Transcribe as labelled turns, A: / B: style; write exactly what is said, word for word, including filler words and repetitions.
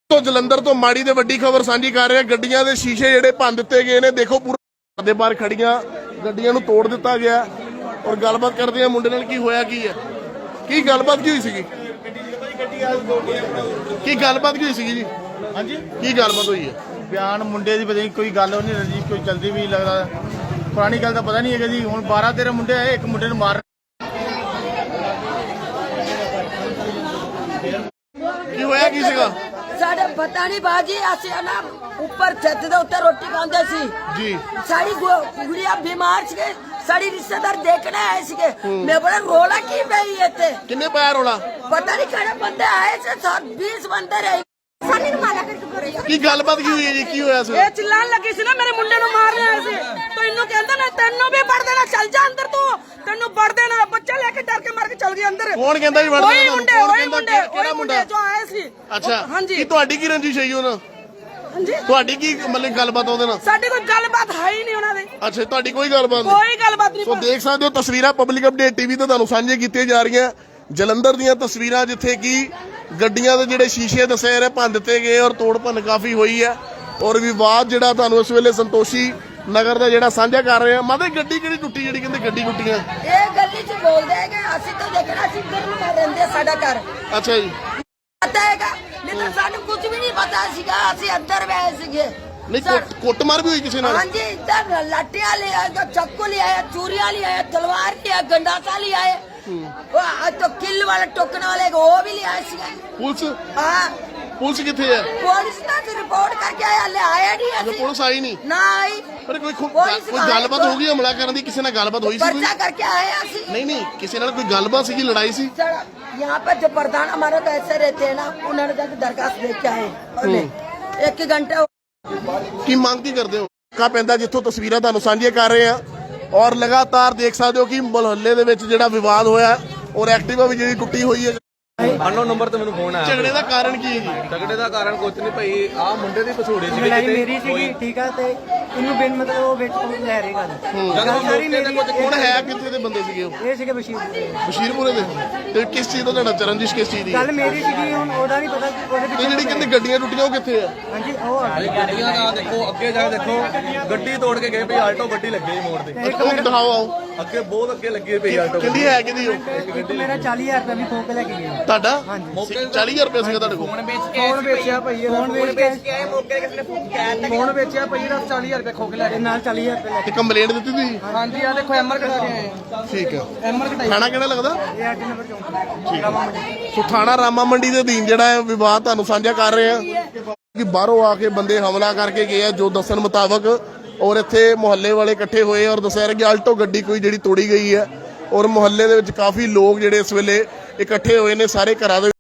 A: तो जलंधर तो माड़ी ते वड्डी खबर सांझी कर रहे हैं। गड्डियां दे शीशे जिहड़े भंन दित्ते गए ने। देखो पूरे दे बाहर खड़ियां गड्डियां नूं तोड़ दित्ता गया। और गलबात करदे आ मुंडे नाल की होया की है, की गलबात की हुई सीगी, की गलबात की हुई सीगी जी? हाँ जी, की गलबात हुई है?
B: बयान मुंडे दी पता नहीं कोई गल नहीं रजी, कोई चलती भी लगदा पुरानी गल दा पता नहीं है जी। हुण बारह तेरह मुंडे आए, एक मुंडे नूं मार
A: की होया की सीगा?
C: साडे पता नहीं बाजी असी ना ऊपर छत दे उत्ते रोटी खांदे सी
A: जी।
C: साडी गुड़िया बीमार सी, साडी रिश्तेदार देखने आए सी। मैं बोला रोला की पई इत्ते
A: किन्ने पाया रोला?
C: पता नहीं किहड़े बंदे आए से, बीस बंदे रहे सानी नु माला करके बोले
A: की गलबात की हुई है जी? की होया सी?
C: ए चिल्लान लगी सी ना मेरे मुंडे नु मारने आए सी। तो इन्नु कहंदा ना तन्नू भी पड़ देना, चल जा अंदर तू, तन्नू पड़ देना। बच्चा लेके डर के मार के चल गया अंदर।
A: कौन कहंदा जी वड़ देना?
C: वही मुंडे, वही मुंडे,
A: केड़ा मुंडा
C: जो आए सी।
A: अच्छा,
C: हां जी।
A: की ਤੁਹਾਡੀ ਕੀ ਰੰਜਿਸ਼ ਹੈ ਉਹਨਾਂ?
C: हां जी,
A: ਤੁਹਾਡੀ ਕੀ ਮਤਲਬ ਗੱਲਬਾਤ ਉਹਦੇ ਨਾਲ?
C: ਸਾਡੀ ਕੋਈ ਗੱਲਬਾਤ ਹੈ ਹੀ ਨਹੀਂ ਉਹਨਾਂ ਦੇ।
A: ਅੱਛਾ, ਤੁਹਾਡੀ ਕੋਈ ਗੱਲਬਾਤ ਨਹੀਂ?
C: ਕੋਈ ਗੱਲਬਾਤ ਨਹੀਂ।
A: ਸੋ ਦੇਖ ਸਕਦੇ ਹੋ ਤਸਵੀਰਾਂ ਪਬਲਿਕ ਅਪਡੇਟ ਟੀਵੀ ਤੇ ਤੁਹਾਨੂੰ ਸਾਂਝੇ ਕੀਤੀਆਂ ਜਾ ਰਹੀਆਂ ਜਲੰਧਰ ਦੀਆਂ ਤਸਵੀਰਾਂ, ਜਿੱਥੇ ਕਿ ਗੱਡੀਆਂ ਦੇ ਜਿਹੜੇ ਸ਼ੀਸ਼ੇ ਦੱਸੇ ਰਹੇ ਭੰਨ ਦਿੱਤੇ ਗਏ ਔਰ ਤੋੜ ਭੰਨ ਕਾਫੀ ਹੋਈ ਹੈ। ਔਰ ਵਿਵਾਦ ਜਿਹੜਾ ਤੁਹਾਨੂੰ ਇਸ ਵੇਲੇ ਸੰਤੋਸ਼ੀ ਨਗਰ ਦਾ ਜਿਹੜਾ ਸਾਂਝਾ ਕਰ ਰਹੇ ਆ। ਮਾਤਾ ਗੱਡੀ ਕਿਹੜੀ ਟੁੱਟੀ ਜਿਹੜੀ ਕਹਿੰਦੇ ਗੱਡੀ ਟੁੱਟੀਆਂ?
C: ਇਹ ਗੱਲੀ ਚ ਬੋਲਦੇ ਹੈਗੇ ਅਸੀਂ ਤਾਂ ਦੇਖਣਾ ਸੀ ਗਰਮ ਕਰ ਰਹਿੰਦੇ ਸਾਡਾ ਘਰ।
A: ਅੱਛਾ ਜੀ,
C: ਪਤਾ ਹੈਗਾ ਨਹੀਂ ਤਾਂ ਸਾਨੂੰ ਕੁਝ ਵੀ ਨਹੀਂ ਪਤਾ ਸੀਗਾ, ਅਸੀਂ ਅੰਦਰ ਬੈਠੇ ਸੀਗੇ।
A: ਨਹੀਂ ਕੁੱਟਮਾਰ ਵੀ ਹੋਈ ਕਿਸੇ ਨਾਲ?
C: ਹਾਂਜੀ, ਇੱਧਰ ਲਾਟੀਆਂ ਲੈ ਆਏ, ਚਾਕੂ ਲੈ ਆਏ, ਚੂਰੀਆਂ ਲੈ ਆਏ, ਤਲਵਾਰ ਲੈ ਆਏ, ਗੰਡਾਸਾ ਲੈ ਆਏ, ਉਹ तो किल वाले टोकन वाले वो भी ले आए सी।
A: ਪੁਲਿਸ
C: हाँ,
A: ਪੁਲਿਸ ਕਿੱਥੇ ਹੈ?
C: पुलिस ना तो रिपोर्ट करके आया, ले आया नहीं
A: ਅਜੇ
C: ऐसी
A: ਪੁਲਿਸ ਆਈ ਨਹੀਂ?
C: ना आई।
A: ਪਰ ਕੋਈ ਖੁ-
C: ਪੁਲਿਸ
A: ਕੋਈ
C: ਆਈ
A: ਗੱਲਬਾਤ
C: ਕੋਈ-
A: ਹੋ ਗਈ ਹਮਲਾ ਕਰਨ ਦੀ? ਕਿਸੇ ਨਾਲ ਗੱਲਬਾਤ ਹੋਈ ਸੀ ਕੋਈ?
C: पर्चा करके आए ਅਸੀਂ।
A: ਨਹੀਂ ਨਹੀਂ, ਕਿਸੇ ਨਾਲ ਕੋਈ ਗੱਲਬਾਤ ਸੀਗੀ, लड़ाई ਸੀ?
C: सर, यहाँ पर जो प्रधान हमारे तो ऐसे रहते हैं ना, उन्होंने जाके दरखास्त दे के आए और एक ही घंटे।
A: ਕੀ ਮੰਗ ਕੀ ਕਰਦੇ ਹੋ? ਕਾ ਪੈਂਦਾ ਜਿੱਥੋਂ ਤਸਵੀਰਾਂ ਤੁਹਾਨੂੰ ਸਾਂਝੀਆਂ ਕਰ ਰਹੇ ਆ ਔਰ ਲਗਾਤਾਰ ਦੇਖ ਸਕਦੇ ਹੋ ਕਿ ਮੁਹੱਲੇ ਦੇ ਵਿੱਚ ਜਿਹੜਾ ਵਿਵਾਦ ਹੋਇਆ ਔਰ ਐਕਟਿਵਾ ਵੀ ਜਿਹੜੀ ਟੁੱਟੀ ਹੋਈ ਹੈ।
D: ਅਨਨੋਨ ਨੰਬਰ ਤੇ ਮੈਨੂੰ ਫੋਨ ਆਇਆ।
A: ਝਗੜੇ ਦਾ ਕਾਰਨ ਕੀ ਹੈ ਜੀ?
D: ਝਗੜੇ ਦਾ ਕਾਰਨ ਕੁਝ ਨਹੀਂ ਭਾਈ, ਆ ਮੁੰਡੇ ਦੀ ਪਸੂੜੀ ਸੀ
E: ਲੜਾਈ ਮੇਰੀ ਸੀਗੀ, ਠੀਕ ਆ, ਤੇ ਇਹਨੂੰ ਬਿਨ ਮਤਲਬ ਉਹ ਵਿੱਚ ਲੈ ਰਹੇ ਗੱਲ
A: ਜਦੋਂ
E: ਸਾਰੀ ਮੇਰੀ
A: ਕੌਣ ਹੈ, ਕਿੱਥੇ ਦੇ ਬੰਦੇ ਸੀਗੇ ਉਹ?
E: ਇਹ ਸੀਗੇ ਬਸ਼ੀਰ
A: ਬਸ਼ੀਰਪੁਰੇ ਦੇ। ਤੇ ਕਿਸ ਚੀਜ਼ ਦਾ ਤੁਹਾਡਾ ਚਰਨਜੀਸ਼ ਕਿਸ ਚੀਜ਼ ਦੀ?
E: ਗੱਲ ਮੇਰੀ ਸੀਗੀ, ਹੁਣ ਉਹਦਾ ਨਹੀਂ ਪਤਾ ਉਹਦੇ
A: ਤੇ ਜਿਹੜੀ ਕਹਿੰਦੇ ਗੱਡੀਆਂ ਟੁੱਟੀਆਂ ਉਹ ਕਿੱਥੇ ਆ?
E: ਹਾਂਜੀ ਉਹ ਆ ਗਈ।
D: ਗੱਡੀਆਂ ਦਾ ਦੇਖੋ, ਅੱਗੇ ਜਾ ਕੇ ਦੇਖੋ, ਗੱਡੀ ਤੋੜ ਕੇ ਗਏ ਭਾਈ, ਆਲਟੋ ਗੱਡੀ ਲੱਗੀ ਮੋੜ ਤੇ
A: ਉਹ ਦਿਖਾਓ ਆਓ।
D: ਅੱਗੇ ਬਹੁਤ ਅੱਗੇ ਲੱਗੀ ਪਈ ਆਲਟੋ
A: ਕਿੰਦੀ ਹੈ ਕਿਹਦੀ ਉਹ?
E: ਇੱਕ ਮੇਰਾ ਚਾਲੀ ਹਜ਼ਾਰ ਰੁਪਏ ਵੀ ਖੋ ਕੇ ਲੈ ਕੇ ਗਏ।
A: ਤੁਹਾਡਾ ਚਾਲੀ ਹਜ਼ਾਰ ਰੁਪਏ ਸੀਗਾ ਤੁਹਾਡੇ ਕੋਲ?
E: ਫੋਨ ਵੇਚਿਆ ਭਾਈ, ਫੋਨ ਵੇਚ ਕੇ ਆਏ ਮੌਕੇ ਕਿਸੇ ਨੇ ਫੋਨ ਵੇਚਿਆ ਭਾਈ ਦਾ ਚਾਲੀ ਹਜ਼ਾਰ ਰੁਪਏ ਖੋ ਕੇ ਲੈ ਗਏ, ਨਾਲ ਚਾਲੀ ਹਜ਼ਾਰ ਰੁਪਏ ਲੈ
A: ਤੇ ਕੰਪਲੇਂਟ ਦਿੱਤੀ ਤੁਸੀਂ?
E: ਹਾਂਜੀ ਆ ਦੇਖੋ ਐਮਆਰ ਕਢਾ ਕੇ ਆਏ ਆ।
A: ਠੀਕ ਹੈ।
E: ਐਮਆਰ ਕਢਾਈ
A: ਥਾਣਾ ਕਿਹੜਾ ਲੱਗਦਾ?
E: ਇਹ ਅੱਠ ਨੰਬਰ ਚੌਂਕ।
A: ਸੋ ਥਾਣਾ ਰਾਮਾ ਮੰਡੀ ਦੇ ਅਧੀਨ ਜਿਹੜਾ ਹੈ ਵਿਵਾਦ ਤੁਹਾਨੂੰ ਸਾਂਝਾ ਕਰ ਰਹੇ ਆ ਕਿ ਬਾਹਰੋਂ ਆ ਕੇ ਬੰਦੇ ਹਮਲਾ ਕਰਕੇ ਗਏ ਆ ਜੋ ਦੱਸਣ ਮੁਤਾਬਕ। ਔਰ ਇੱਥੇ ਮੁਹੱਲੇ ਵਾਲੇ ਇਕੱਠੇ ਹੋਏ ਔਰ ਦੱਸਿਆ ਕਿ ਆਲਟੋ ਗੱਡੀ ਕੋਈ ਜਿਹੜੀ ਤੋੜੀ ਗਈ ਹੈ। ਔਰ ਮੁਹੱਲੇ ਦੇ ਵਿੱਚ ਕਾਫੀ ਲੋਕ ਜਿਹੜੇ ਇਸ ਵੇਲੇ ਇਕੱਠੇ ਹੋਏ ਨੇ ਸਾਰੇ ਘਰਾਂ ਦੇ